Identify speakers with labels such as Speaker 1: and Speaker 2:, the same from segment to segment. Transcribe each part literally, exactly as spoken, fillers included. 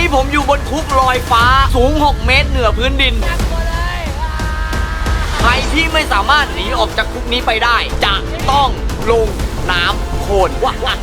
Speaker 1: นี้ผมอยู่บนคุกลอยฟ้าสูงหกเมตรเหนือพื้นดินใครที่ไม่สามารถหนีออกจากคุกนี้ไปได้จะต้องลงน้ำโคลน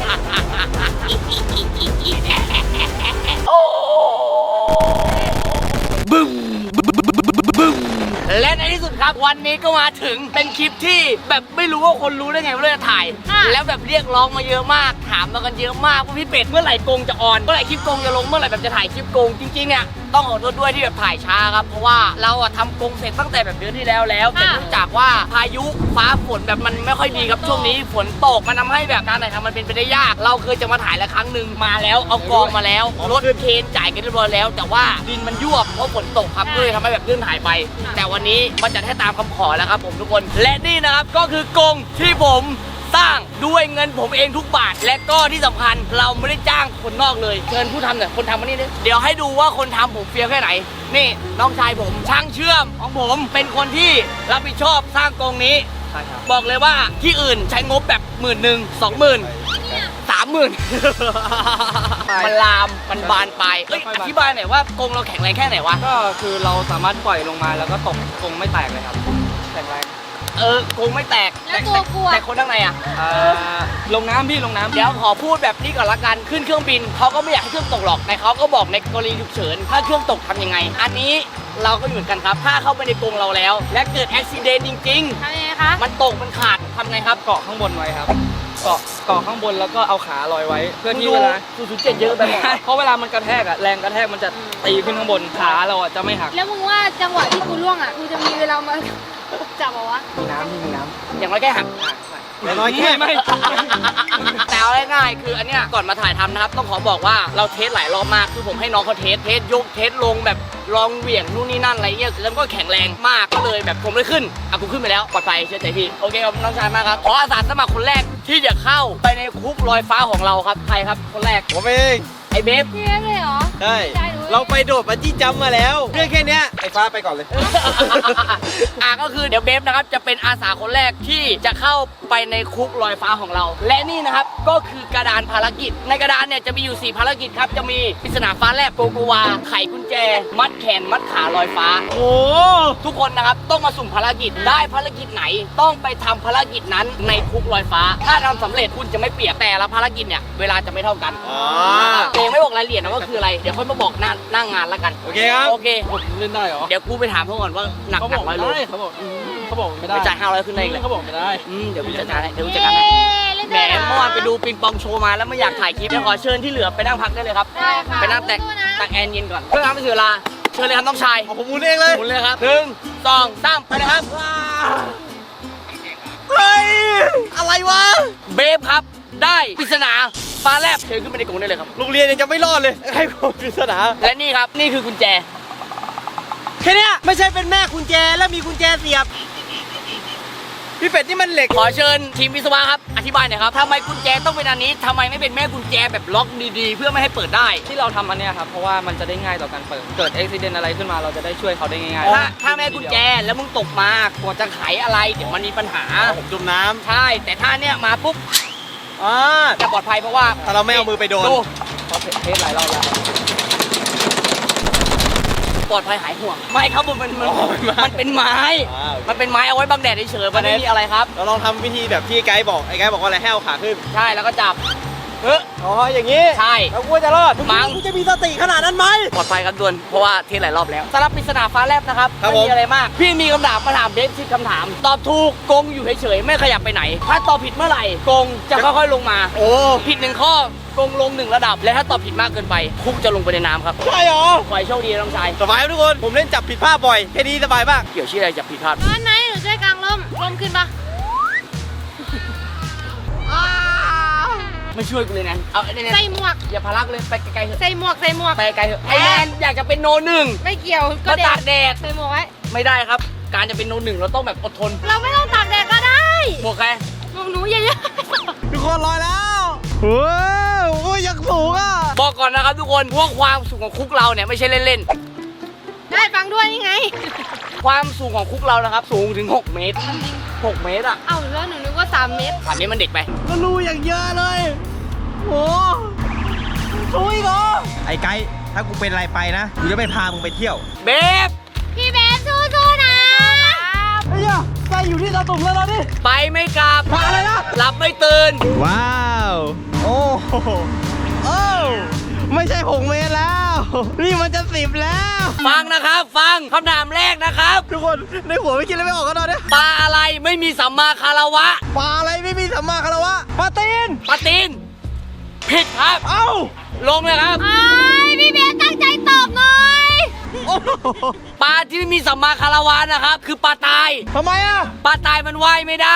Speaker 1: บึ้มบึ้มและในที่สุดครับวันนี้ก็มาถึงเป็นคลิปที่แบบไม่รู้ว่าคนรู้ได้ไงว่าเราจะถ่ายแล้วแบบเรียกร้องมาเยอะมากถามมากันเยอะมากว่าพี่เป็ดเมื่อไหร่กงจะออนเมื่อไหร่คลิปกงจะลงเมื่อไหร่แบบจะถ่ายคลิปกงจริงๆเนี่ยต้องขอโทษด้วยที่แบบถ่ายช้าครับเพราะว่าเราอะทำกงเสร็จตั้งแต่แบบเดือนที่แล้วแล้วแต่เนื่องจากว่าพายุฟ้าฝนแบบมันไม่ค่อยดีครับช่วงนี้ฝนตกมันทำให้แบบการถ่ายทำมันเป็นไปได้ยากเราเคยจะมาถ่ายแล้วครั้งหนึ่งมาแล้วเอากองมาแล้วรถเคนจ่ายกันเรียบร้อยแล้วแต่ว่าดินมันยวบเพราะฝนตกครับก็เลยทำให้แบบเลื่อนถ่ายไปแต่วันนี้มันจะให้ตามคำขอแล้วครับผมทุกคนและนี่นะครับก็คือกงที่ผมสร้างด้วยเงินผมเองทุกบาทและก็ที่สำคัญเราไม่ได้จ้างคนนอกเลยเชิญผู้ทำหน่อยคนทำมานี่ดิเดี๋ยวให้ดูว่าคนทำผมเฟี้ยวแค่ไหนนี่น้องชายผมช่างเชื่อมของผมเป็นคนที่รับผิดชอบสร้างกงนี้บอกเลยว่าที่อื่นใช้งบแบบหมื่นหนึ่งสองหมื่นสามหมื่นมันลามมันบานไปอธิบายหน่อยว่ากงเราแข็งแรงแค่ไหนวะ
Speaker 2: ก็คือเราสามารถปล่อยลงมาแล้วก็ตกกงไม่แตกเลยครับแข็งแรง
Speaker 1: เออกงไม่แตก
Speaker 3: แล้วตัวกลัว
Speaker 1: แต่คนข้างในอ่ะ
Speaker 2: ลงน้ำพี่ลงน้ำ
Speaker 1: เดี๋ยวขอพูดแบบนี้ก่อนละกันขึ้นเครื่องบินเขาก็ไม่อยากให้เครื่องตกหรอกแต่เขาก็บอกในกรณีฉุกเฉินถ้าเครื่องตกทำยังไงอันนี้เราก็เหมือนกันครับถ้าเข้าไปในกรงเราแล้ว และเกิดอุบัติเหตุจริงๆ
Speaker 3: ทำยังไงคะ
Speaker 1: มันตกมันขาดทำไงครับ
Speaker 2: เกาะข้างบนไว้ครับเกาะเกาะข้างบนแล้วก็เอาขาลอยไว้เพื่อที่เวลา
Speaker 1: ศูนย์จุดเจ็ดเยอะไปหมด
Speaker 2: เพราะเวลามันกระแทกอะแรงกระแทกมันจะตีขึ้นข้างบนขาเราอะจะไม่หัก
Speaker 3: แล้วมึงว่าจังหวะที่กูล่วงอะกูจะมีเวลามาจับเหรอวะ
Speaker 2: มีน้ำมีน้ำ
Speaker 1: อย่างไรแค่หัก
Speaker 2: อย่างน้อยแค่ไม่
Speaker 1: แต่เอาง่ายๆคืออันเนี้ยก่อนมาถ่ายทำนะครับต้องขอบอกว่าเราเทสหลายรอบมากคือผมให้น้องเขาเทสเทสยกเทสลงแบบลองเหวี่ยงนู่นนี่นั่นอะไรเงี้ยแล้วก็แข็งแรงมากก็เลยแบบผมเลยขึ้นอ่ะกูขึ้นไปแล้วปลอดภัยเชื่อใจพี่โอเคครับน้องชายมากครับขออาสาสมัครคนแรกที่จะเข้าไปในคุกลอยฟ้าของเราครับใครครับคนแรก
Speaker 2: ผมเอง
Speaker 1: ไอ้เบฟ
Speaker 3: พี่เบฟเลยเหรอ
Speaker 2: ใช่เราไปโดดบันจี้จัมป์มาแล้วเรื่องแค่นี้ไอ้ฟ้าไปก่อนเลย
Speaker 1: อ่ะก็คือเดี๋ยวเบฟนะครับจะเป็นอาสาคนแรกที่จะเข้าไปในคุกลอยฟ้าของเราและนี่นะครับก็คือกระดานภารกิจในกระดานเนี่ยจะมีอยู่สี่ภารกิจครับจะมีปริศนาฟ้าแลบโกโกวาไขกุญแจมัดแขนมัดขาลอยฟ้าโอ้ทุกคนนะครับต้องมาสุ่มภารกิจได้ภารกิจไหนต้องไปทำภารกิจนั้นในคุกลอยฟ้าถ้าทำสำเร็จคุณจะไม่เปียกแต่ละภารกิจเนี่ยเวลาจะไม่เท่ากันอ๋อไม่บอกรายละเอียดนะว่าคืออะไรเดี๋ยวค่อยมาบอกหน้าหน้างานแล้วกัน
Speaker 2: โอเคครับ
Speaker 1: โอเค
Speaker 2: ผมเล่นได้เหรอ
Speaker 1: เดี๋ยวกูไปถามเขาก่อนว่าหนักหนักร้อยโล
Speaker 2: เขาบอกเขาบอกไม่ได้
Speaker 1: จ่ายห้าร้อยขึ้นได้เลย
Speaker 2: เขาบอกไม่ได้
Speaker 1: เดี๋ยวกูจัดการให้เดี๋ยวกูจัดการให้แหมเมื่อวานไปดูปิงปองโชว์มาแล้วไม่อยากถ่ายคลิปเดี๋ยวขอเชิญที่เหลือไปนั่งพักได้เลยครับไปนั่งแตกตักแอนเย็นก่อนเพื่อทำให้เสียเวลาเชิญเลยครับน้องชาย
Speaker 2: ผมหมุนเองเลย
Speaker 1: หมุนเลยครับหนึ่งสองสามไปนะครับเฮ้ยอะไรวะเบฟครับได้ปริศนาฟ้าแลบเชิญขึ้นไปในกรงได้เลยครับ
Speaker 2: โรงเรียนยังจะไม่รอดเลยให้ผมปริศนา
Speaker 1: และนี่ครับนี่คือกุญแจ
Speaker 2: แค่นี้ไม่ใช่เป็นแม่กุญแจแล้วมีกุญแจเสียบพี่เป็ดนี่มันเหล็ก
Speaker 1: ขอเชิญทีมวิศวะครับอธิบายหน่อยครับทำไมกุญแจต้องเป็นอันนี้ทำไมไม่เป็นแม่กุญแจแบบล็อกดีๆเพื่อไม่ให้เปิดได้
Speaker 2: ที่เราทำอันนี้ครับเพราะว่ามันจะได้ง่ายต่อการเปิดเกิดอุบัติเหตุอะไรขึ้นมาเราจะได้ช่วยเขาได้ง่าย
Speaker 1: ๆถ้าถ้าแม่กุญแจแล้วมึงตกมากว่าจะไขอะไรเดี๋ยวมันมีปัญหา
Speaker 2: ผมจมน้ำ
Speaker 1: ใช่แต่ถ้าเนี่ยมาปุ๊บจะปลอดภัยเพราะว่า
Speaker 2: ถ้าเราไม่เอามือไปโดนเขาเทสหลายรอบแล้ว
Speaker 1: ปลอดภัยหายห่วงไม่ครับมันมันมันเป็นไม้มันเป็นไม้เอาไว้บังแดดเฉยๆมันไม่มีอะไรครับ
Speaker 2: เราลองทำวิธีแบบที่ไกด์บอกไอ้ไกด์บอกว่าอะไรให้เอาขาขึ้น
Speaker 1: ใช่แล้วก็จับเออ
Speaker 2: อ๋ออย่างนี้
Speaker 1: ใช่
Speaker 2: แล้วกูจะรอดมั้งกูจะมีสติขนาดนั้นไหม
Speaker 1: ปลอดภัยครับด่วนเพราะว่าเทสหลายรอบแล้วสำหรับปริศนาฟ้าแลบนะครับไม่มีอะไรมากพี่มีคำถามมาถามเบสสิบคำถามตอบถูกกงอยู่เฉยๆไม่ขยับไปไหนถ้าตอบผิดเมื่อไหร่กงจะค่อยๆลงมา
Speaker 2: โอ้
Speaker 1: ผิดหนึ่งข้อกงลงหนึ่งระดับและถ้าตอบผิดมากเกินไปคุกจะลงไปในน้ำครับ
Speaker 2: ใช่หรอ
Speaker 1: ขอให้โชคดีน้องชาย
Speaker 2: สบายทุกคนผมเล่นจับผิดพลาดบ่อยแค่นี้สบายมาก
Speaker 1: เกี่ยวชื่ออะไรจับผิดพลาด
Speaker 3: วันไหนหนูช่วยกางร่มร่มขึ้นปะ
Speaker 1: ไม่ช่วยกูเลยนะเอาเนี่ย
Speaker 3: ใส่หมวก
Speaker 1: อย่าพารักเลยไปไกลๆเถอะ
Speaker 3: ใส่หมวกใส่หมวก
Speaker 1: ไปไกลเถอะไอ้แมนอยากจะเป็นโนหนึ่ง
Speaker 3: ไม่เกี่ยว
Speaker 1: ก็ตากแดด
Speaker 3: ใส่หมวกไว้
Speaker 1: ไม่ได้ครับการจะเป็นโนหนึ่งเราต้องแบบอดทน
Speaker 3: เราไม่ต้องตากแดดก็ได้
Speaker 1: หมวกใคร
Speaker 3: หมวกหนูเยอะ
Speaker 2: ๆทุกคนลอยแล้วว้าวโอ้ยยังสูงอ่ะ
Speaker 1: บอกก่อนนะครับทุกคนพวกความสูงของคุกเราเนี่ยไม่ใช่เล่น
Speaker 3: ๆได้ฟังด้วยนี่ไง
Speaker 1: ความสูงของคุกเรานะครับสูงถึงหกเมตรหกเมตรอ่ะ
Speaker 3: เอ้าแล้วหนูนึกว่าสามเมตร
Speaker 1: สามเมตรมันเด็กไป
Speaker 2: ก็รูอย่างเยอะเลยโอ้โหสูงอีกเหรอไอ้ไก่ถ้ากูเป็นอะไรไปนะกูจะไม่พามึงไปเที่ยว
Speaker 1: เบฟ
Speaker 3: พี่เบสสู้ๆนะ
Speaker 2: ไอ้เหี้ยไปอยู่ที่ตาตุ่มแล้วเราดิ
Speaker 1: ไปไม่กลับ
Speaker 2: มาอะไรนะ
Speaker 1: หลับไม่ตื่น
Speaker 2: ว้าวโอ้โหโอ้ไม่ใช่หกเมตรแล้ว นี่มันจะสิบแล้ว
Speaker 1: ฟังนะครับ ฟังคำถามแรกนะครับ
Speaker 2: ทุกคนในหัวไม่คิดอะไรไม่ออกกันตอนนี้
Speaker 1: ปลาอะไรไม่มีสัมมาคารวะ
Speaker 2: ปลาอะไรไม่มีสัมมาคารวะปลาตีน
Speaker 1: ปลาตีนผิดครับ
Speaker 2: เอ้า
Speaker 1: ลงเลยครับ
Speaker 3: ไอ้พี่เบสตั้งใจตอบหน่อย
Speaker 2: โอ้โห
Speaker 1: ปลาที่ไม่มีสัมมาคารวะนะครับ คือปลาตาย
Speaker 2: ทำไมอ่ะ
Speaker 1: ปลาตายมันว่ายไม่ได้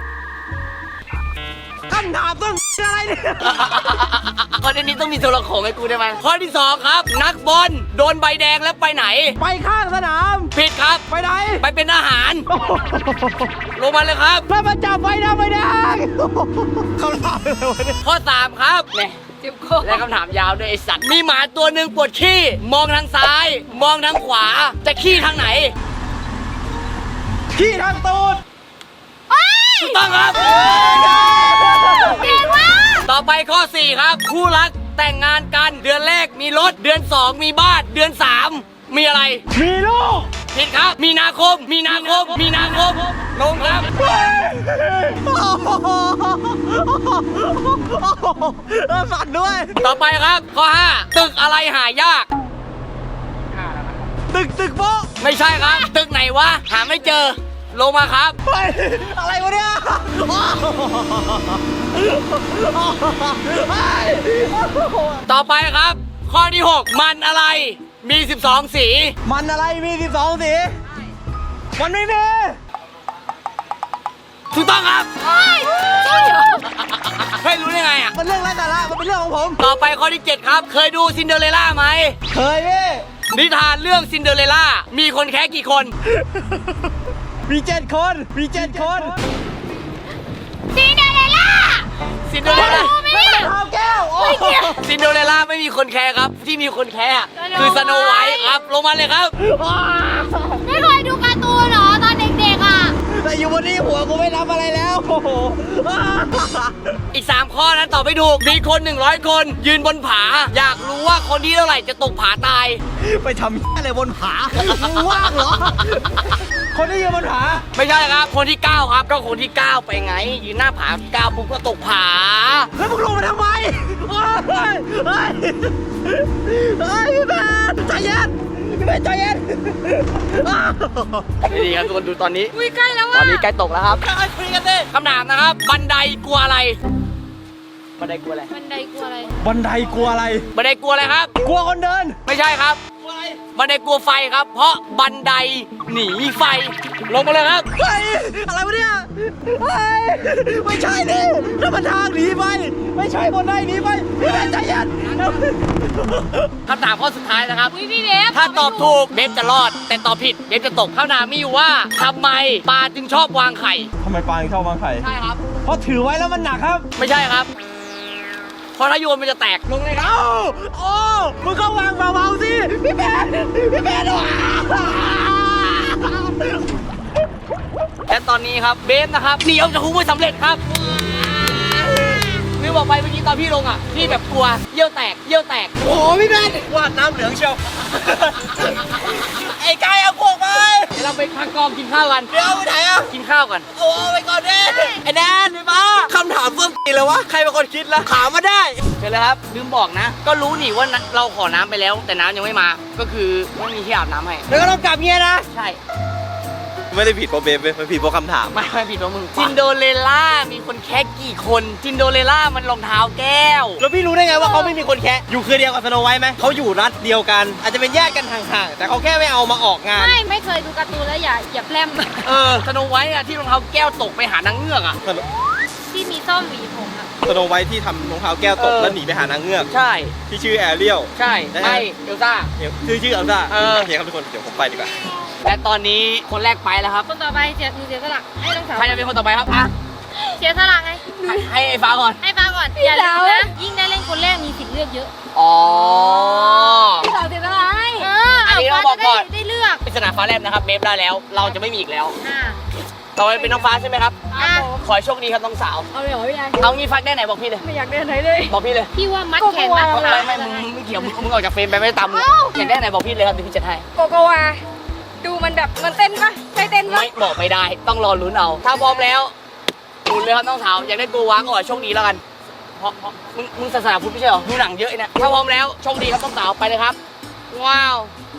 Speaker 2: คำถามต้องอะไรเนี่ย
Speaker 1: ข้อนี้ต้องมีตัวละครให้กูได้ไหมข้อที่สองครับ นักบอลโดนใบแดงแล้วไปไหน
Speaker 2: ไปข้างสนาม
Speaker 1: ผิดครับ
Speaker 2: ไปไหน
Speaker 1: ไปเป็นอาหาร
Speaker 2: โอ้โห
Speaker 1: ลงมาเลยครับ
Speaker 2: แล้วมาจับไฟดำไฟแดงคำถามอะไรวะเนี่ย
Speaker 1: ข้อสามครับเนี่ย
Speaker 3: เจ็บคอ
Speaker 1: และคำถามยาวด้วยไอสัตว์ มีหมาตัวหนึ่งปวดขี้ มองทางซ้าย มองทางขวา จะขี้ทางไหน
Speaker 2: ขี้ทางตูด
Speaker 1: ถูกต้องครับ
Speaker 3: เก่งมาก
Speaker 1: ต่อไปข้อสี่ครับ คู่รักแต่งงานกัน เดือนแรกมีรถ เดือนสองมีบ้าน เดือนสามมีอะไร
Speaker 2: มีลูก
Speaker 1: ผิดครับ มีนาคม มีนาคม มีนาคม ลงครับ
Speaker 2: เออสั่นด้วย
Speaker 1: ต่อไปครับ ข้อห้าตึกอะไรหายาก
Speaker 2: ตึกตึกโป๊ะ
Speaker 1: ไม่ใช่ครับ ตึกไหนวะ หาไม่เจอ ลงมาครับ
Speaker 2: เฮ้ยอะไรวะเนี่ยเฮ้ย
Speaker 1: ต่อไปครับ ข้อที่หกมันอะไร มีสิบสองสี
Speaker 2: มันอะไรมีสิบสองสี มันไม่มี
Speaker 1: ถูกต้องครับ
Speaker 3: เฮ้ยใช่เหรอ
Speaker 1: เฮ้ยรู้ได้ไงอ่ะ
Speaker 2: มันเรื่องไร้สาระมันเป็นเรื่องของผม
Speaker 1: ต่อไปข้อที่เจ็ดครับ เคยดูซินเดอเรลล่าไหม
Speaker 2: เคยพี่
Speaker 1: นิทานเรื่องซินเดอเรลล่า มีคนแค่กี่คน
Speaker 2: มีเจ็ดคน มีเจ็ดคน
Speaker 3: ซีเดอเรลล่า
Speaker 1: ซินเดอเรลล่า
Speaker 3: รู้ไหมเนี่ย
Speaker 2: ข้าวแก้ว โอ้
Speaker 3: เฮ้ยเกี่ยว
Speaker 1: ซินเดอเรลล่าไม่มีคนแคร์ครับ ที่มีคนแคร์อะคือสโนไวท์ครับ ลงมาเลยครับ
Speaker 3: ไม่เคยดูการ์ตูนเหรอตอนเด็กๆอ่ะ
Speaker 2: แต่อยู่บนนี้หัวกูไม่รับอะไรแล้ว โอ้โห
Speaker 1: อีกสามข้อนะตอบไม่ถูก มีคนหนึ่งร้อยคน ยืนบนผา อยากรู้ว่าคนที่เท่าไหร่จะตกผาตาย
Speaker 2: ไปทำอะไรบนผามึงว่างเหรอ คนที่ยืนบนผา
Speaker 1: ไม่ใช่ครับ คนที่เก้าครับ ก็คนที่เก้าไปไง ยืนหน้าผาเก้าปุ๊บก็ตกผา
Speaker 2: แล้วมึงลงมาทำไมเฮ้ยเฮ้ยเฮ้ยพี่แมนใจเย็นพี่แมนใจเย็น
Speaker 1: นี่ครับทุกคนดูตอนนี้
Speaker 3: อุ้ยใกล้แล้ว
Speaker 1: ตอ
Speaker 3: อ่ะ
Speaker 1: นนี้ใกล้ตกแล้วครับ
Speaker 2: คุยกันดิ
Speaker 1: คำถามนะครับ บันไดกลัวอะไร บันไดกลัวอะไร
Speaker 3: บันไดกลัวอะไร
Speaker 2: บันไดกลัวอะไร
Speaker 1: บันไดกลัวอะไรครับ
Speaker 2: กลัวคนเดิน
Speaker 1: ไม่ใช่ครับ
Speaker 2: กลัวอะไร
Speaker 1: บันไดกลัวไฟครับ เพราะบันไดหนีไฟ ลงมาเลยครับ
Speaker 2: เฮ้ยอะไรวะเนี่ยเฮ้ยไม่ใช่ดินั่นมันทางหนีไป ไม่ใช่บนไดหนีไปพี่แมนใจเย็น
Speaker 1: คำถามข้อสุดท้ายนะครับ
Speaker 3: อุ้ยพี่เบฟ
Speaker 1: ถ้าตอบถูกเบฟจะรอด แต่ตอบผิดเบฟจะตกคำถามมีอยู่ว่าทำไมปลาจึงชอบวางไข่
Speaker 2: ทำไมปลาชอบวางไข่
Speaker 1: ใช่ครับ
Speaker 2: เพราะถือไว้แล้วมันหนักครับ
Speaker 1: ไม่ใช่ครับ เพราะถ้าโยนมันจะแตก ลงเลยครับ
Speaker 2: เอ้าโอ้มึงก็วางเบาๆสิ พี่แมนพี่แมนว้า
Speaker 1: และตอนนี้ครับเบฟนะครับหนีออกจากคุกไม่สำเร็จครับลืมบอกไปเมื่อกี้ตอนพี่ลงอ่ะพี่แบบกลัวเยี่ยวแตกเยี่ยวแตก
Speaker 2: โอ้โหพี่แมนวาดน้ำเหลืองเชียว ไอ้กายเอาพวกไป
Speaker 1: เดี๋ยวเราไปพักกองกินข้าวกัน
Speaker 2: เดี๋ยวไปไหนอ่ะ
Speaker 1: กินข้าวกัน
Speaker 2: โอ้ไปก่อนดิไอ้แดนไอ้บ้าคำถามเพิ่มตีเลยวะ ใครเป็นคนคิดล่ะถามมาได้
Speaker 1: เชิญเลยครับลืมบอกนะ ก็รู้นี่ว่าเราขอน้ำไปแล้ว แต่น้ำยังไม่มา ก็คือไม่มีที่อาบน้ำให้
Speaker 2: แล้วก็ต้องกลับเงี้ยนะ
Speaker 1: ใช่
Speaker 4: ไม่ได้ผิดเพราะเบฟเว้ยมันผิดเพราะคำถาม
Speaker 1: ไม่ไม่ผิดว่ามึงซินโดเรลล่ามีคนแค่กี่คนซินโดเรลล่ามันรองเท้าแก้ว
Speaker 2: แล้วพี่รู้ได้ไงว่าเขาไม่มีคนแคะอยู่คือเดียวกับสโนไวท์ไหม เขาอยู่รัฐเดียวกัน อาจจะเป็นญาติกันห่างๆ แต่เขาแค่ไม่เอามาออกงาน
Speaker 3: ไม่ไม่เคยดูการ์ตูนแล้วอย่าอย่าแพร่ม
Speaker 1: เออสโนไวท์อะที่รองเท้าแก้วตกไปหานางเงือกอะ
Speaker 3: ที่มีส้มหวีผมอ่ะ
Speaker 4: สโนไวท์ที่ทำรองเท้าแก้วตก
Speaker 1: เออ
Speaker 4: แล้วหนีไปหานางเงือก
Speaker 1: ใช่
Speaker 4: ที่ชื่อแอเรียล
Speaker 1: ใช่ไม่เอลซ่า
Speaker 4: เนี่ยชื่อชื่ออัลซ่า
Speaker 1: เออ
Speaker 4: โอเคครับทุกคนเดี๋ยวผมไปดีกว่า
Speaker 1: และตอนนี้คนแรกไปแล้วครับ
Speaker 3: คนต่อไปเสียหนูเสียสละให้น้องสาว
Speaker 1: ใครจะเป็นคนต่อไปครับอ่ะ
Speaker 3: เสียสละไง
Speaker 1: ให้ให้ไอ้ฟ้าก่อน
Speaker 3: ให้ฟังก่อนอย่าลืมนะยิ่งได้เล่นคนแรกมีสิทธิ์เลือกเยอะ
Speaker 1: อ๋อ
Speaker 3: พี่สาวเสียสละให้เออ
Speaker 1: อันนี้
Speaker 3: ฟ้า
Speaker 1: เราบอก
Speaker 3: จะ
Speaker 1: ก่
Speaker 3: ได้
Speaker 1: อน
Speaker 3: ได้เลือก
Speaker 1: ปริศนาฟ้าแลบนะครับเบฟได้แล้ว เราจะไม่มีอีกแล้ว
Speaker 3: อ่า
Speaker 1: ต่อไปเป็นน้องฟ้าใช่ไหมครับ
Speaker 3: อ่ะ
Speaker 1: ขอให้โชคดีครับน้องสาว
Speaker 3: เอาเลยเหรอพี่ชาย
Speaker 1: เอางี้ฟักได้ไหนบอกพี่เลย
Speaker 3: ไม่อยากเดินไหนเลย
Speaker 1: บอกพี่เลย
Speaker 3: พี่ว่ามัดแขนมัด
Speaker 1: ไม่ไม่มึงไม่เกี่ยวมึงมึงออกจากเฟรมไปไม่ได้ตามมึงอยากได้ไหนบอกพี่เลยครับเดี๋ยวพี่จัดให้
Speaker 3: โกโกวาดูมันแบบมันเต้นปะใช่เต้นปะ
Speaker 1: ไม่บอกไม่ได้ต้องรอลุ้นเอา ถ้าพร้อมแล้วลุ้นเลยครับน้องสาวอยากได้โกวาก็ขอให้โชคดีแล้วกันเพราะเพราะมึงมึงศาสนาพุทธไม่ใช่เหรอดูหนังเยอะไอ้เนี่ยถ้าพร้อมแล้วโชคดีครับน้องสาวไปเลยครับว้าว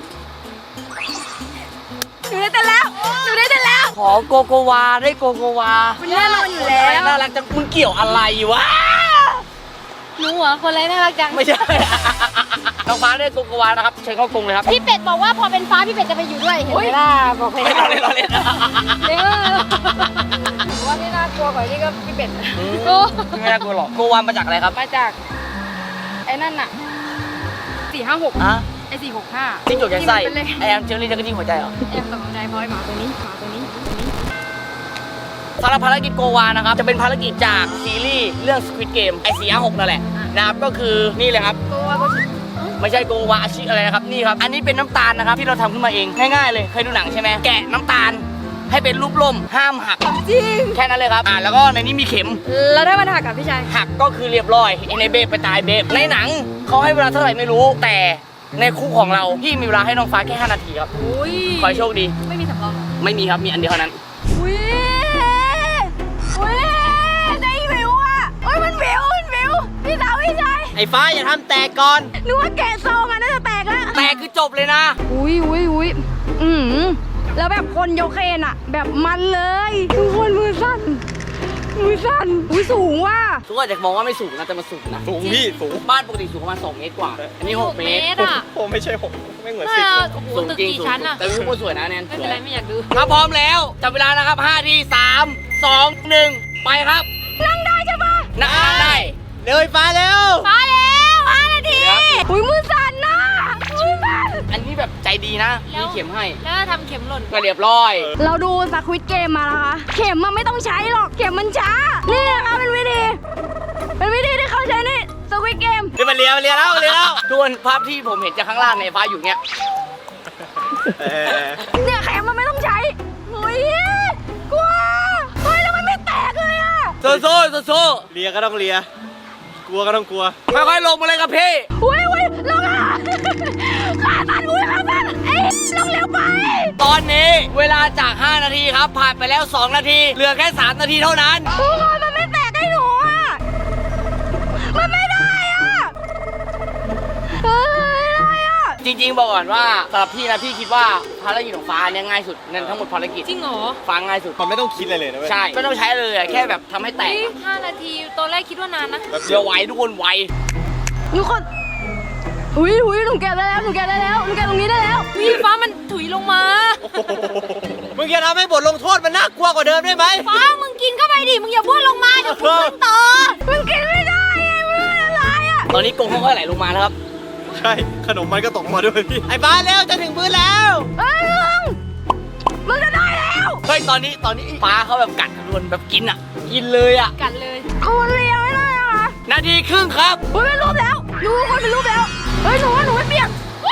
Speaker 3: หนูได้เต้นแล้วหนูได้เต้นแล้ว
Speaker 1: ขอโกโกวาได้โกโกวา
Speaker 3: มันแน่นอนอยู่แล้ว
Speaker 1: น่ารักจังมึงเกี่ยวอะไรวะ
Speaker 3: หนูเหรอคนไรน่ารักจัง
Speaker 1: ไม่ใช่ น้องฟ้าได้โกโกวานะครับเชิญเข้ากรงเลยครับ
Speaker 3: พี่เป็ดบอกว่าพอเป็นฟ้าพี่เป็ดจะไปอยู่ด้วยเห็นไหมล่ะบอกไป
Speaker 1: ไม่รอเล่นรอเล่น
Speaker 3: เดี๋ยวว่าไม่น่ากลัวกว่านี่ก็พี่เป็ด
Speaker 1: อืม
Speaker 3: โอ้
Speaker 1: ไม่น่ากลัวหรอกโกวามาจากอะไรครับ
Speaker 3: มาจากไอ้นั่นน่ะสี่ห้าหก
Speaker 1: อ่ะ
Speaker 3: ไอ้สี่หกห้า
Speaker 1: จิ้งจกยัดไส้
Speaker 3: เป็นเลข
Speaker 1: ไอแอมเชอรี่จะกระจิ้งหัวใจเหรอ
Speaker 3: แอมตกใจเพราะไอ้หมาตัวนี้หมาตัวนี้ตัวนี้
Speaker 1: สำหรับภารกิจโกวานะครับจะเป็นภารกิจจากซีรีส์เรื่อง Squid Game ไอซีอาร์หกนั่นแหละนะครับก็คือนี่เลยครับ
Speaker 3: ตัวก็
Speaker 1: ไม่ใช่โกวาอาชิอะไรนะครับนี่ครับอันนี้เป็นน้ำตาลนะครับที่เราทำขึ้นมาเองง่ายๆเลยเคยดูหนังใช่ไหมแกะน้ำตาลให้เป็นรูปร่มห้ามหัก
Speaker 3: จริง
Speaker 1: แค่นั้นเลยครับอ่าแล้วก็ในนี้มีเข็ม
Speaker 3: แล้วได้มันหักกับพี่ชาย
Speaker 1: หักก็คือเรียบร้อยไอในเบฟไปตายเบฟในหนังเขาให้เวลาเท่าไหร่ไม่รู้แต่ในคู่ของเราพี่มีเวลาให้น้องฟ้าแค่ห้านาทีครับ
Speaker 3: อุ้ย
Speaker 1: ขอให้โชคดี
Speaker 3: ไม่มีสำรองเหรอ
Speaker 1: ไม่มีครับมีอันเดียวเท่านั้น
Speaker 3: อุ้ยอุ้ยได้วิวอ่ะโอ้ยมันวิวมันวิวพี่สาวพี่ชาย
Speaker 2: ไอ้ฟ้าอย่าทำแตกก่อน
Speaker 3: นึกว่าแกะซองอ่ะน่าจะแตกแล้ว
Speaker 1: แต่คือจบเลยนะ
Speaker 3: อุ้ยอุ้ยอุ้ยอืมแล้วแบบคนยกเครนอะแบบมันเลยทุกคนมือสั่นมือสั่นอุ้ยสูงว่ะ
Speaker 1: ทุกคนอาจจะมองว่าไม่สูงนะแต่มันสูงนะ
Speaker 4: สูงพี่สูง
Speaker 1: บ้านปกติสูงประมาณสองเมตรกว่า อันนี้หกเมตร
Speaker 3: อะ
Speaker 4: ผมไม่ใช่หกไม่เหมือน
Speaker 3: น่า
Speaker 4: สิบ
Speaker 3: จะ
Speaker 4: เลย
Speaker 3: โอ้โห
Speaker 1: สูง
Speaker 3: ตึก
Speaker 1: จริง
Speaker 3: กี่
Speaker 1: สูง
Speaker 3: ชั้นอะ
Speaker 1: แต่วิวก็สวยนะแนน
Speaker 3: ไม่เป็นไรไม่อยากดู
Speaker 1: ถ้าพร้อมแล้วจับเวลานะครับห้าทีสามสองหนึ่งไปครับ
Speaker 3: นั่งได้ใช่ปะ
Speaker 1: นั่งนั่งได้
Speaker 2: เร็วไอ้ฟ้าเร็ว
Speaker 3: มาแล้วห้านาที
Speaker 1: เดี๋ยว
Speaker 3: อุ้ยมือสั่นนะมือสั่น
Speaker 1: อันนี้แบบใจดีนะ
Speaker 3: แล้ว
Speaker 1: มีเข็มให้
Speaker 3: แล้วทำเข็มหล่น
Speaker 1: ก็เรียบร้อย
Speaker 3: เราดูสควิตเกมมาแล้วคะเข็มมันไม่ต้องใช้หรอกเข็มมันช้านี่นะคะเป็นวิธีเป็นวิธีที่เขาใช้ในสควิตเกม
Speaker 2: เดี๋ยวมาเรียมาเรียแล้วมาเรียแล้ว
Speaker 1: ทุกคนภาพที่ผมเห็นจากข้างล่างในยฟ้าอยู่เนี้ย
Speaker 2: เออ
Speaker 3: เนี่ยเข็มมันไม่ต้องใช้เฮ้ยกลัวเฮ้ยแล้วมันไม่แตกเลยอะ
Speaker 1: โซโซ่โซโซ่
Speaker 2: เลียก็ต้องเลีย กลัวก็ต้องกลัว
Speaker 1: ค่อยๆลงมาเลยครับพี่
Speaker 3: อุ้ยอุ้ยลงอ่ะขาสั่นอุ้ยขาสั่นเอ้ยลงเร็วไป
Speaker 1: ตอนนี้เวลาจากห้านาทีครับผ่านไปแล้วสองนาทีเหลือแค่สามนาทีเท่านั้น
Speaker 3: ทุกคนมันไม่แตกให้หนูอ่ะมันไม่ได้อ่ะเฮ้ยอะไรอ่ะ
Speaker 1: จริงๆบอกก่อนว่าสำหรับพี่นะพี่คิดว่าภารกิจของฟ้าเนี่ยง่ายสุดในทั้งหมดภารกิจ
Speaker 3: จริงเหรอ
Speaker 1: ฟ้าง่ายสุด
Speaker 4: มันไม่ต้องคิดอะไรเลยนะเว้ย
Speaker 1: ใช่ไม่ต้องใช้เลยอะแค่แบบทำให้แตกอะ
Speaker 3: ห้านาทีตอนแรกคิดว่านานนะ
Speaker 4: แบบ
Speaker 1: เดี๋ยวไวทุกคนไว
Speaker 3: ทุกคนหุยหุยหนูแกะได้แล้วหนูแกะได้แล้วหนูแกะตรงนี้ได้แล้ววีฟ้ามันถุยลงมา
Speaker 2: มึงอย่าทำให้บทลงโทษมันน่ากลัวกว่าเดิมได้ไหม
Speaker 3: ฟ้ามึงกินเข้าไปดิมึงอย่าบ้วนลงมาเดี๋ยวกูขึ้นต่อมึงกินไม่ได้ไงมึงอะไรอ่ะ
Speaker 1: ตอนนี้กรงเขาก็ไหลลงมาแล้วครับ
Speaker 4: ใช่ ขนมมันก็ตกมาด้วยพี่
Speaker 2: ไอ้ฟ้าเร็วจะถึงพื้นแล้ว
Speaker 3: เฮ้ยมึงมึงจะได้แล้ว
Speaker 1: เฮ้ยตอนนี้ตอนนี้ฟ้าเขาแบบกัดกันรวนแบบกินอ่ะ กินเลยอ่ะ
Speaker 3: กัดเลยคนเลี้ยงไม่ได้นะคะ
Speaker 1: นาทีครึ่งครับ
Speaker 3: เฮ้ยเป็นรูปแล้วหนูคนเป็นรูปแล้วเฮ้ยหนูว่าหนูไม่เปียก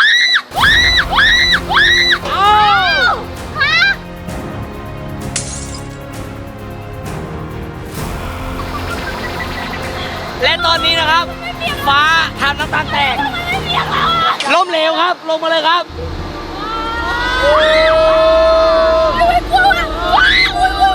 Speaker 3: อ้าวฮะ
Speaker 1: และตอนนี้นะครับ ฟ้าทำน้ำตาลแตกล้มเหลวครับ ลงมาเลยครับ
Speaker 3: ไม่กลัวว่ะว้าว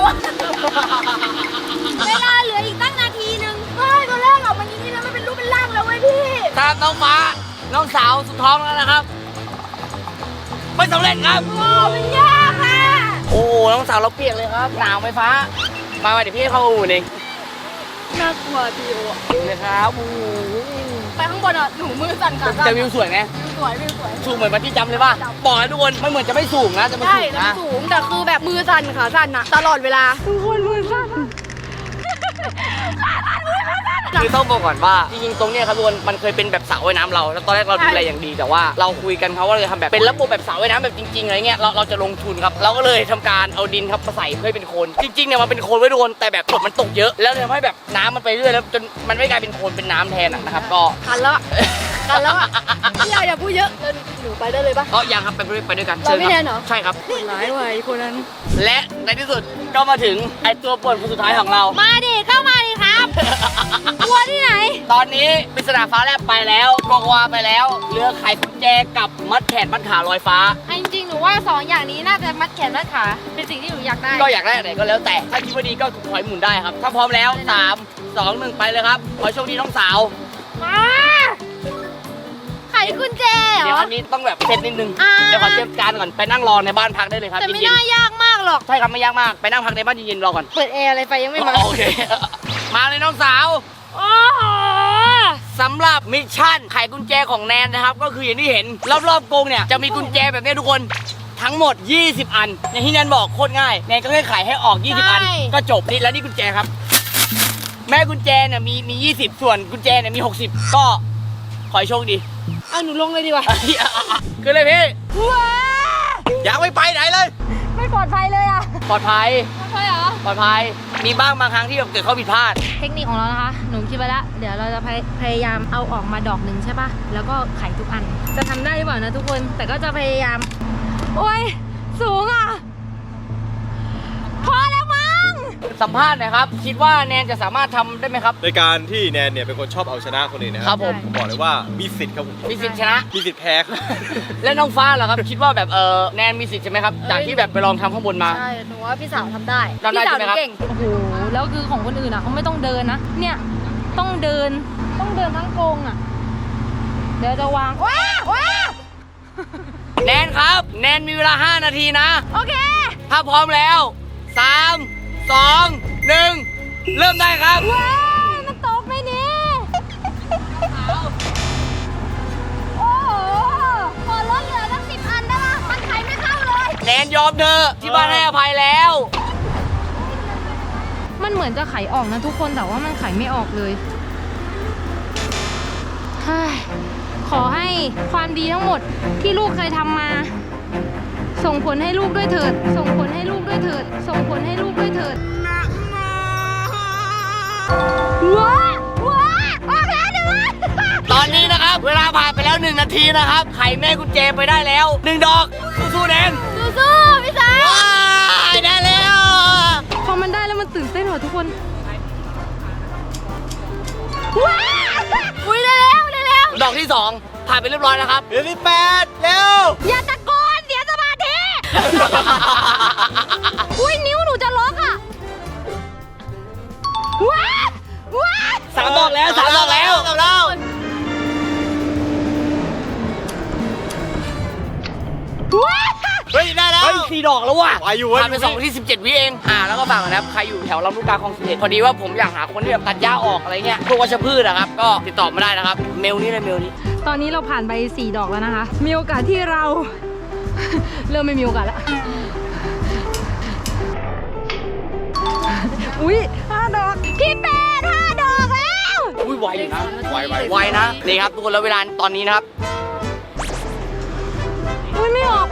Speaker 3: เวลาเหลืออีกตั้งนาทีหนึ่งเฮ้ยตอนแรกออกมาอย่างนี้แล้วมันเป็นรูปเป็นร่างแล้วเว้ยพี่
Speaker 1: ตามน้องฟ้า น้องสาวสุดท้องแล้วนะครับ ไม่สำเร็จครับ
Speaker 3: โอ้มันยากอ่ะ
Speaker 1: โอ้โหน้องสาวเราเปียกเลยครับ หนาวไหมฟ้า มามาเดี๋ยวพี่ให้เข้าอู่เอง
Speaker 3: น่ากลัวพี่โอ
Speaker 1: เลยครับโอ้โห
Speaker 3: ไปข้างบนอ่ะหนูมือสั่นขาสั่น
Speaker 1: แต่วิวสวยไง
Speaker 3: วิวสวยวิวสวย
Speaker 1: สูงเหมือนมาที่จำเลยป่ะ บอกให้ทุกคนมันเหมือนจะไม่สูงนะแต่มัน
Speaker 3: ใช่
Speaker 1: สูง
Speaker 3: แต่มั
Speaker 1: นะ
Speaker 3: นสูงแต่คือแบบมือสั่นขาสั่นอะตลอดเวลาทุกคนมือสั่นขาสั่นมือขาสั่น
Speaker 1: คือต้องบอกก่อนว่าจริงๆตรงเนี้ยครับทุกคนมันเคยเป็นแบบสระว่ายน้ำเราแล้วตอนแรกเราดูแลอย่างดีแต่ว่าเราคุยกันเขาว่าเราจะทำแบบเป็นระบบแบบสระว่ายน้ำแบบจริงๆอะไรเงี้ยเราเราจะลงทุนครับเราก็เลยทำการเอาดินครับมาใส่เพื่อให้เป็นโคลนจริงๆเนี่ยมันเป็นโคลนไว้ทุกคนแต่แบบฝนมันตกเยอะแล้วทำให้แบบน้ำมันไปเรื่อยแล้วจนมันไม่กลายเป็นโคลนเป็นน้ำแทนอะนะครับก็
Speaker 3: กันแล้วกันแล้วอ่ะพี่ยาอย่าพูดเยอะเดินหนูไปได้เลยปะ
Speaker 1: ก็ยังครับไปด้วยไปด้วยกัน
Speaker 3: เราไม่
Speaker 1: ชิญคบ
Speaker 3: แน่นเหรอ
Speaker 1: ใช่ครับ
Speaker 3: คนร้ายว่ะไอ้คนนั้น
Speaker 1: และในที่สุดก็มาถึงไอตัวป่วนคนสุดท้ายของเรา
Speaker 3: มาดิเข้ามาดิครับกลัวที่ไหน
Speaker 1: ตอนนี้ปริศนาฟ้าแลบไปแล้วโกโกวาไปแล้วเหลือไขกุญแจกับมัดแขนมัดขาลอยฟ้า
Speaker 3: จริงๆหนูว่าสองอย่างนี้น่าจะมัดแขนมัดขาเป็นสิ่งที่หนูอยากได้
Speaker 1: ก็อยากได้อะไรก็แล้วแต่ถ้าคิดว่าดีก็ถอยหมุนได้ครับ ถ้าพร้อมแล้วสามสองหนึ่งไปเลยครับขอให้โชคดีน้องสาว
Speaker 3: มาไขกุญแจเหร
Speaker 1: เดี๋ยว
Speaker 3: อ
Speaker 1: อันนี้ต้องแบบเซตนิดนึง
Speaker 3: อ่า
Speaker 1: เดี๋ยวขอเตรียมการก่อนไปนั่งรอในบ้านพักได้เลยครับ
Speaker 3: แต่ไม่
Speaker 1: เย็น
Speaker 3: น่ายากมากหรอก
Speaker 1: ๆใช่ครับไม่ยากมากไปนั่งพักในบ้านเย็นๆรอก่อน
Speaker 3: เปิดแอร์อะไรไฟยังไม่มา
Speaker 1: โอเค มาเลยน้องสาว
Speaker 3: โอ้โห
Speaker 1: สำหรับมิชชั่นไขกุญแจของแนนนะครับก็คืออย่างที่เห็นรอบๆกรงเนี่ยจะมีกุญแจแบบนี้ทุกคนทั้งหมดยี่สิบอันอย่างที่แนนบอกโคตรง่ายแนนก็แค่ไขให้ออกยี่สิบอันก็จบนี่แล้วนี่กุญแจครับ แม่กุญแจเนี่ยมีมียี่สิบส่วนกุญแจเนี่ยมีหกสิบก็ขอให้โชคดี
Speaker 3: เอาหนูลงเลยดีกว่า
Speaker 1: คือเลยพี่
Speaker 3: ว้า
Speaker 1: อยากไม่ไปไหนเลย
Speaker 3: ไม่ปลอดภัยเลยอ่ะ
Speaker 1: ปลอดภัย
Speaker 3: ใช่เหรอ
Speaker 1: ปลอดภัยมีบ้างบางครั้งที่แบบเกิดข้อผิดพลาด
Speaker 3: เทคนิคของเรานะคะ หนูคิดไปแล้ว เดี๋ยวเราจะพยพยายามเอาออกมาดอกหนึ่งใช่ปะแล้วก็ไขทุกอัน จะทำได้หรือเปล่านะทุกคน แต่ก็จะพยายาม โอ้ย สูงอ่ะ พอแล้วมั้ง
Speaker 1: สัมภาษณ์หนะครับ คิดว่าแนนจะสามารถทำได้ไหมครับ
Speaker 4: ในการที่แนนเนี่ยเป็นคนชอบเอาชนะคนอื่นนะค
Speaker 1: ครั
Speaker 4: รับ
Speaker 1: ผม
Speaker 4: ผมบอกเลยว่ามีสิทธิ์ครับผม
Speaker 1: มีสิทธิ์ชนะ
Speaker 4: มีสิทธิ์แพ้ครับ
Speaker 1: และน้องฟ้าเหรอครับ คิดว่าแบบเออแนนมีสิทธิ์ใช่ไหมครับ จากที่แบบไปลองทำข้างบนมา
Speaker 3: ใช่ หนูว่าพี่สาวทำได้
Speaker 1: ทำได้ใช่ไหมครับ
Speaker 3: พี่สาวนูเก่ง โอ้โห แล้วคือของคนอื่นอ่ะเขาไม่ต้องเดินนะ เนี่ย ต้องเดิน ต้องเดินทั้งกรงอ่ะ เดี๋ยวจะวาง ว้าว้า
Speaker 1: แนนครับ แนนมีเวลาห้านาทีนะ
Speaker 3: โอเค
Speaker 1: ถ้าพร้อมแล้วสามสองหนึ่งเริ่มได้ครับ
Speaker 3: ว้ายมันตกไหมเนี่ยโอ้โหขอลดเหลือตั้งสิบอันได้ปะมันไขไม่เข้าเลย
Speaker 1: แนนยอมเธอะที่บ้านให้อภัยแล้ว
Speaker 3: มันเหมือนจะไขออกนะทุกคนแต่ว่ามันไขไม่ออกเลยเฮ้ยขอให้ความดีทั้งหมดที่ลูกเคยทำมา ส่งผลให้ลูกด้วยเถิด ส่งผลให้ลูกด้วยเถิด ส่งผลให้ลูกด้วยเถิดว้าว้าออกแล้วหนึ่งอัน
Speaker 1: ตอนนี้นะครับ เวลาผ่านไปแล้วหนึ่งนาทีนะครับ ไขแม่กุญแจไปได้แล้วหนึ่งดอก สู้ๆแนน
Speaker 3: สู้ๆพี่สาว
Speaker 1: ว้ายได้แล้ว
Speaker 3: พอมันได้แล้วมันตื่นเต้นหัวทุกคนว้าอุ้ยเร็วเร็วเร็ว
Speaker 1: ดอกที่สองผ่านไปเรียบร้อยนะครับ
Speaker 4: เดือนที่แปดเร็ว
Speaker 3: อย่าตะโกนเสียสมาธิ อุ้ยนิ้วหนูจะล็อกอ่ะว้าว้า
Speaker 1: สามดอกแล้วสามดอกแล้ว
Speaker 4: สามดอก
Speaker 3: ว้า
Speaker 4: เฮ้ยได้แล้ว
Speaker 1: เฮ้ยสี่ดอกแล้วว่ะ
Speaker 4: ไหวอยู่เว้ย
Speaker 1: ผ่านไปสองที่สิบเจ็ดวิเองอ่าแล้วก็ฝากนะครับ ใครอยู่แถวลำลูกกาคลองสิบเอ็ดพอดีว่าผมอยากหาคนที่แบบตัดหญ้าออกอะไรเงี้ยพวกวัชพืชนะครับ ก็ติดต่อมาได้นะครับ เมลนี้เลยเมลนี้
Speaker 3: ตอนนี้เราผ่านไปสี่ดอกแล้วนะคะ มีโอกาสที่เรา เริ่มไม่มีโอกาสแล้ว อุ้ยห้าดอก พี่แปดห้าดอกแล้ว
Speaker 1: อุ้ยไวอยู่นะ
Speaker 4: ไวไว
Speaker 1: ไวนะนี่ครับทุกคนแล้วเวลาตอนนี้นะครับ
Speaker 3: อุ้ยไม่ออก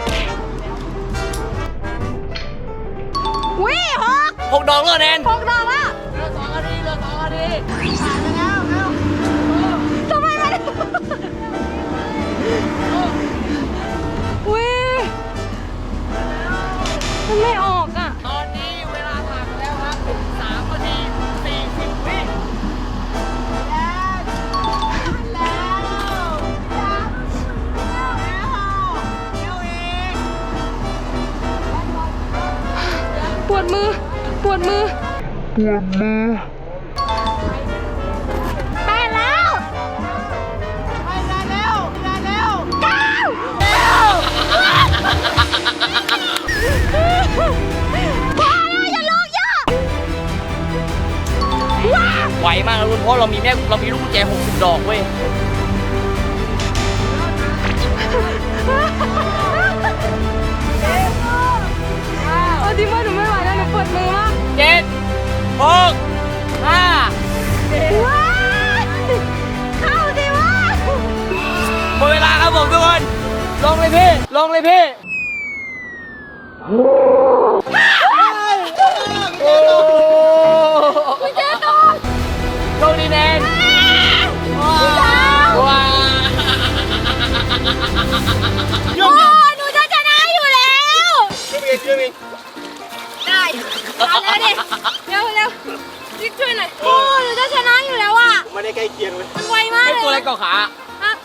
Speaker 3: อุ้ยหก
Speaker 1: หกดอกเลยแนน
Speaker 3: หกดอกแล้ว
Speaker 1: เหลือสองนาทีเหลือสองนาที
Speaker 3: ทำไมมันอุ้ยมันไม่ออกอ่ะ
Speaker 1: ตอนนี้เวลาผ่านไปแล้วครับสามนาทีสี่สิบวิ
Speaker 3: ปวดมือ ปวดมือ ปวดมือไปแล้วไปแล้วไปแล้วเก้าพอแล้วอย่าลงเยอะว้า
Speaker 1: ไวมากนะคุณเพราะเรามีแม่เรามีลูกกุญแจหกสิบดอกเว้ย
Speaker 3: เอาจริงว่าหนูไม่ไหวแล้วหนูปวดมือมาก
Speaker 1: เจ็ดหกห้า
Speaker 3: ว้าว
Speaker 1: ลงเลยพี่
Speaker 4: โอ้
Speaker 3: กุญแจตก
Speaker 1: โชคดีแนน
Speaker 3: ว้าว
Speaker 1: ว้า
Speaker 3: โอ้หนูจะชนะอยู่แล้ว
Speaker 4: ช่วยเองช่วยเอง
Speaker 3: ได้เอาแล้วดิเร็วเร็วรีบช่วยหน่อยโอ้หนูจะชนะอยู่แล้วอ่ะ
Speaker 4: ไม่ได้ใกล้เคียงเลย
Speaker 3: มันไวมาก
Speaker 1: ไอ
Speaker 3: เลย
Speaker 1: ตัวอะไรเกาะขา
Speaker 3: ฮะ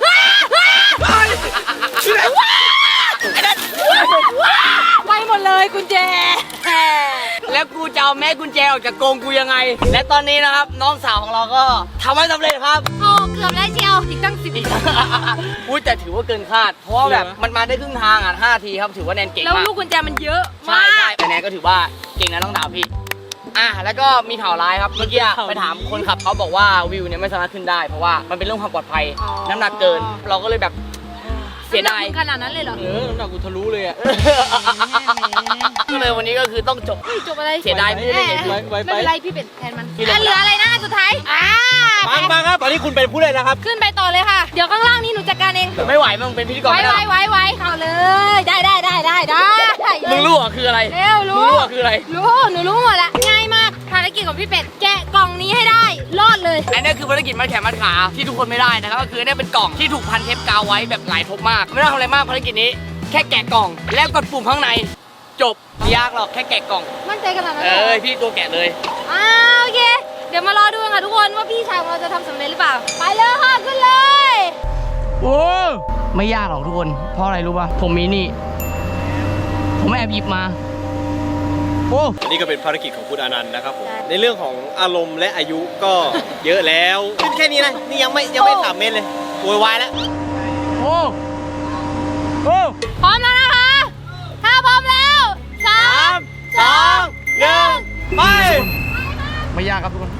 Speaker 3: ไวหมดเลยกุญแจ
Speaker 1: แล้วกูจะเอาแม่กุญแจออกจากกรงกูยังไง และตอนนี้นะครับ น้องสาวของเราก็ทำให้สำเร็จครับ
Speaker 3: โอ้เกือบแล้วเชียวอีกตั้งสิบ
Speaker 1: อุ้ยแต่ถือว่าเกินคาด เพราะว่าแบบมันมาได้ครึ่งทางอ่ะห้าทีครับถือว่าแนนเก่ง
Speaker 3: แล้ว
Speaker 1: มาก
Speaker 3: ลูกกุญแจมันเยอะ
Speaker 1: ใช่
Speaker 3: มา
Speaker 1: ใช่
Speaker 3: ก
Speaker 1: แต่แนนก็ถือว่าเก่งนะน้องดาวพี่อ่ะแล้วก็มีข่าวร้ายครับเมื่อกี้ไปถามคนขับเขาบอกว่าวิวเนี่ยไม่สามารถขึ้นได้เพราะว่ามันเป็นเรื่องความปลอดภัยน้ำหนักเกิน เราก็เลยแบบเสียดาย
Speaker 3: ขนาดนั้นเลยเหรอ
Speaker 1: เออน้ำหนักกูทะลุเลยอ่ะก็เลยวันนี้ก็คือต้องจบ
Speaker 3: จบอะไร
Speaker 1: เสียดายไม่ได้เล่นเกม
Speaker 3: แห
Speaker 1: พี่
Speaker 3: ไม่เป็นไรพี่เป็ดแทนมัน
Speaker 1: พี่เล่น
Speaker 3: อ่ะเหลืออะไรนะอันสุดท้ายอ่า
Speaker 4: ปังปังครับ ตอนนี้คุณเป็นผู้เล่นนะครับ
Speaker 3: ขึ้นไปต่อเลยค่ะ เดี๋ยวข้างล่างนี้หนูจัดการเอง
Speaker 1: ไม่ไหวมึงเป็นพิธีกร
Speaker 3: ไว้
Speaker 1: ไม่ได้
Speaker 3: ไว้
Speaker 1: หรอก
Speaker 3: ไว้ไว้เอาเลย ได้ได้ได้ได้ได้
Speaker 1: มึงรู้เหรอคืออะไร
Speaker 3: เร็ว
Speaker 1: มึง
Speaker 3: รู้
Speaker 1: รู้เหรอคืออะไร
Speaker 3: รู้หนูรู้หมดละง่ายมากภารกิจของพี่เป็ดแกะกล่องนี้ให้ได้รอดเลย
Speaker 1: อันนี้คือภารกิจมัดแขนมัดขาที่ทุกคนไม่ได้นะครับก็คือเนี่ยเป็นกล่องที่ถูกพันเทปกาวไว้แบบหลายทบมาก ไม่ต้องทำอะไรมากภารกิจนี้ แค่แกะกล่องแล้วกดปุ่มข้างใน จบไม่ยากหรอกแค่แกะกล่อง
Speaker 3: มั่นใจขนาดนั้น
Speaker 1: เอ
Speaker 3: เลย
Speaker 1: อพี่ตัวแกะเลย
Speaker 3: อ่าโอเค เดี๋ยวมารอดูกันค่ะทุกคนว่าพี่ชายของเราจะทำสำเร็จหรือเปล่า ไปเลยค่ะขึ้นเลย
Speaker 1: โอ้ไม่ยากหรอกทุกคนเพราะอะไรรู้ป่ะผมมีนี่ ผมแอบหยิบมาโอ้
Speaker 4: อันนี้ก็เป็นภารกิจของคุณอนันต์นะครับผม ในเรื่องของอารมณ์และอายุก็เยอะแล้วขึ้นแค่นี้นะ นี่ยังไม่ยังไม่สามเมตรเลยโวยวายแล้ว
Speaker 1: โอ้โอ้
Speaker 3: พร้อมแล้วนะคะ ถ้าพร้อมแล้วสา
Speaker 4: สาม มสองหนึ่งไป
Speaker 1: ไม่ยากครับทุกคน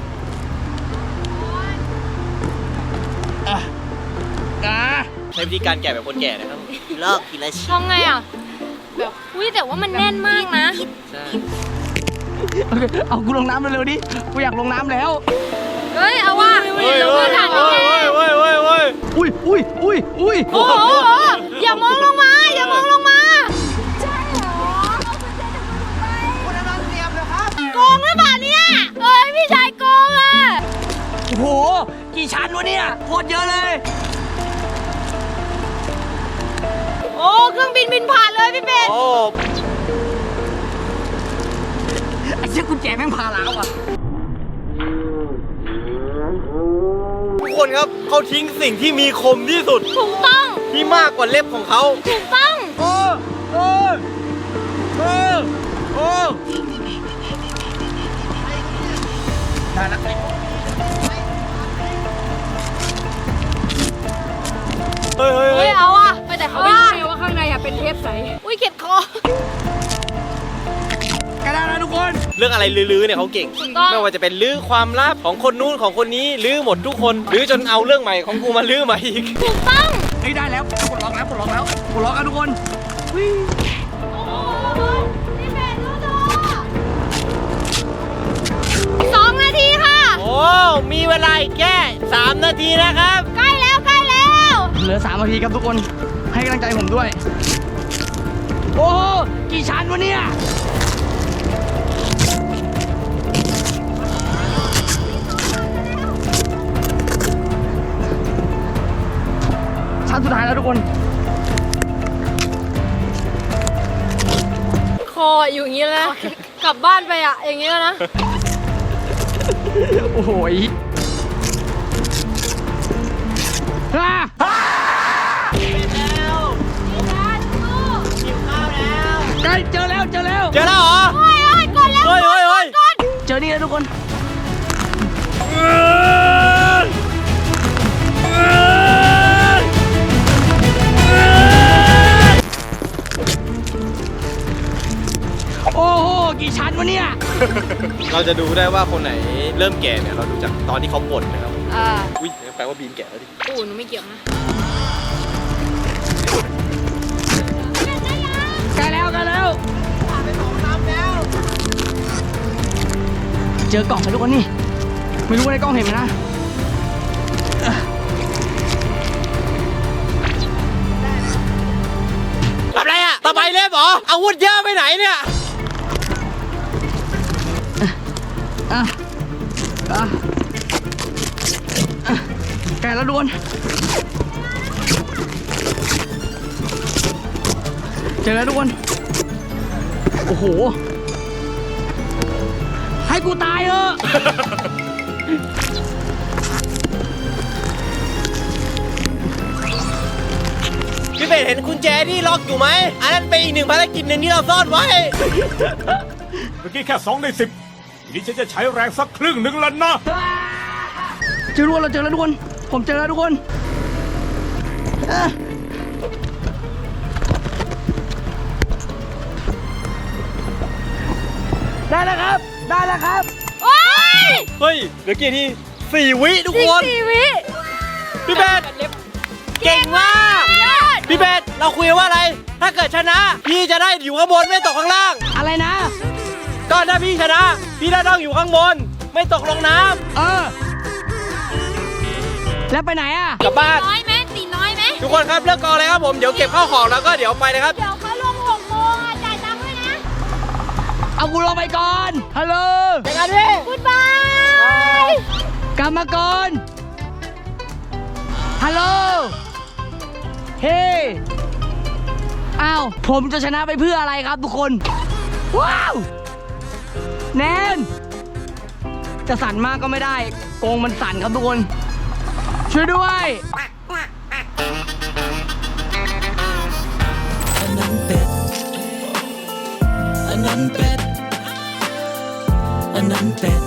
Speaker 1: อ่ะอ่ะ
Speaker 4: ใช้วิธีการแกะแบบคนแก่นะครับ
Speaker 2: เลิกทีละชิ้น
Speaker 3: ทำไงอ่ะ แบบอุ้ยแต่ว่ามันแน่นมากนะ
Speaker 4: ใช่
Speaker 1: เอากูลงน้ำเร็วๆดิกูอยากลงน้ำแล้ว
Speaker 3: เฮ้ย เอาว่า
Speaker 4: เฮ้ย
Speaker 3: เรา
Speaker 4: เฮ้
Speaker 3: เพื่
Speaker 4: ย
Speaker 3: อนหลัง
Speaker 4: เฮ้ย
Speaker 3: แก
Speaker 4: เฮ้ยเฮ้ยเฮ้ยเฮ้ย
Speaker 1: อุ้ยอุ้ยอุ้ยอุ้ย
Speaker 3: โอ้โหโอ้โหอย่ามองลงมา อย่ามองลงมา ใช่เหรอคุณอนันต์เตรียมเลยครับโกงหรือเปล่าเนี่ยเอ้ยพี่ชายโกงอ่ะ
Speaker 1: โอ้โหกี่ชั้นวะเนี่ยโคตรเยอะเลย
Speaker 3: โอ้เครื่องบินบินผ่านเลยพี่เป็ด
Speaker 4: โอ้
Speaker 1: ไอ้เชือกกุญแจแม่งพาล้าวอ่ะ
Speaker 4: ทุกคนครับเขาทิ้งสิ่งที่มีคมที่สุด
Speaker 3: ถูกต้อง
Speaker 4: ที่มากกว่าเล็บของเขา
Speaker 3: ถูกต้อง
Speaker 1: โอ้โอ้โอ้โอ้ได้แล้ว
Speaker 4: เฮ้ยเฮ้ย
Speaker 3: เฮ้
Speaker 4: เฮ้
Speaker 3: ย
Speaker 4: ย
Speaker 3: เอาอ่ะไปแต่เขาไม่รู้ไงว่าข้างในอ่ะเป็นเทปใส อุ้ยเข็ดคอ
Speaker 1: กระดาษนะทุกคน
Speaker 4: เรื่องอะไรลื้อๆเนี่ยเขาเก่ง
Speaker 3: ถูกต้อง
Speaker 4: ไม่ว่าจะเป็นลื้อความลับของคนนู้นของคนนี้ลื้อหมดทุกคนลื้อจนเอาเรื่องใหม่ของกูมาลื้อมาอีก
Speaker 3: ถูกต้อง
Speaker 1: เฮ้ยได้แล้วปลดล็อกแล้วปลดล็อกแล้วปลดล็อกกันทุกคน
Speaker 3: พี่เป็ดดูๆสองนาทีค่ะ
Speaker 4: โอ้ มีเวลาอีกแค่สามนาทีนะครับ
Speaker 3: ใกล้แล้วใกล้แล้ว
Speaker 1: เหลือสามนาทีครับทุกคนให้กำลังใจผมด้วย โอ้โหกี่ชั้นวะเนี่ยชั้นสุดท้ายแล้วทุกคน
Speaker 3: คออยู่อย่างนี้แล้วนะกลับบ้านไปอ่ะ อย่างนี้แล้วนะ
Speaker 1: โอ้โหยอ่าใกล้เจอแล้วเจอแล้ว
Speaker 4: เจอแล้วเหรอ
Speaker 3: โอ้ยโอ้ยกดแล้ว
Speaker 4: เฮ้ยเฮ้ยเฮ้ย
Speaker 3: กด
Speaker 1: เจอนี่แล้วทุกคน โอ้โหกี่ชั้นวะเนี่ย
Speaker 4: เราจะดูได้ว่าคนไหนเริ่มแก่เนี่ยเราดูจากตอนที่เขาบ่นนะครับ
Speaker 3: อ่า
Speaker 4: อุ้ยแปลว่าบีมแก่แล้วดิ
Speaker 3: อู๋หนูไม่เกี่ยวนะ
Speaker 1: ใกล้แล้วใกล้แล้วเจอกล่องแล้วทุกคนนี่ ไม่รู้ว่าในกล้องเห็นไหมนะเอ่อ
Speaker 4: ตะไบเล็บเหรออาวุธเยอะไปไหนเนี่ย
Speaker 2: อ่ะอ่ะอ่ะแกะแล้วดวนเจอแล้วทุกคนโอ้โหให้กูตายเถอะ
Speaker 4: พี่เป็ดเห็นกุญแจที่ล็อกอยู่ไหมอันนั้นเป็นอีกหนึ่งภารกิจหนึ่งที่เราซ่อนไว้
Speaker 5: เมื่อกี้แค่สองในสิบนี่ฉันจะใช้แรงสักครึ่งหนึ่งแล้วนะ
Speaker 2: เจอทุกคนเราเจอแล้วทุกคนผมเจอแล้วทุกคนอ่ะได้แล้วครับได้แล้วครับ
Speaker 3: โอ้ย
Speaker 4: เฮ้ยเหลือกี่ทีสี่วิทุก
Speaker 3: สิ
Speaker 4: ค
Speaker 3: บ
Speaker 4: น
Speaker 3: สี่วิ
Speaker 4: พี่เป็ดเก่งมาก
Speaker 3: ยอด
Speaker 4: พี่เป็ดเราคุยว่าอะไร ถ้าเกิดชนะ พี่จะได้อยู่ข้างบนไม่ตกข้างล่าง
Speaker 2: อะไรนะ
Speaker 4: ก็ถ้าพี่ชนะ พี่ได้ต้องอยู่ข้างบน ไม่ตกลงน้ำ
Speaker 2: เออ แล้วไปไหนอ่ะ
Speaker 4: กลับบ้าน
Speaker 3: น้อยไหมตีน้อยไหม
Speaker 4: ทุกคนครับเลิกกองเลยครับผมเดี๋ยวเก็บข้าวของแล้วก็เดี๋ยวไปนะครับ
Speaker 3: เดี๋ยวเขาลงหกโมงอ่ะจ่ายตังค์ด้วยนะ
Speaker 2: เอากูลงไปก่อน ฮัลโหล
Speaker 4: เจอกันพี่
Speaker 3: กูดบาย
Speaker 2: กลับมาก่อน ฮัลโหล เฮ้ อ้าว ผมจะชนะไปเพื่ออะไรครับทุกคน ว้าว แนน จะสั่นมากก็ไม่ได้ โกงมันสั่นครับทุกคน ช่วยด้วย
Speaker 6: อันนั้นเป็ด อันนั้นเป็ด อันนั้นเป็ด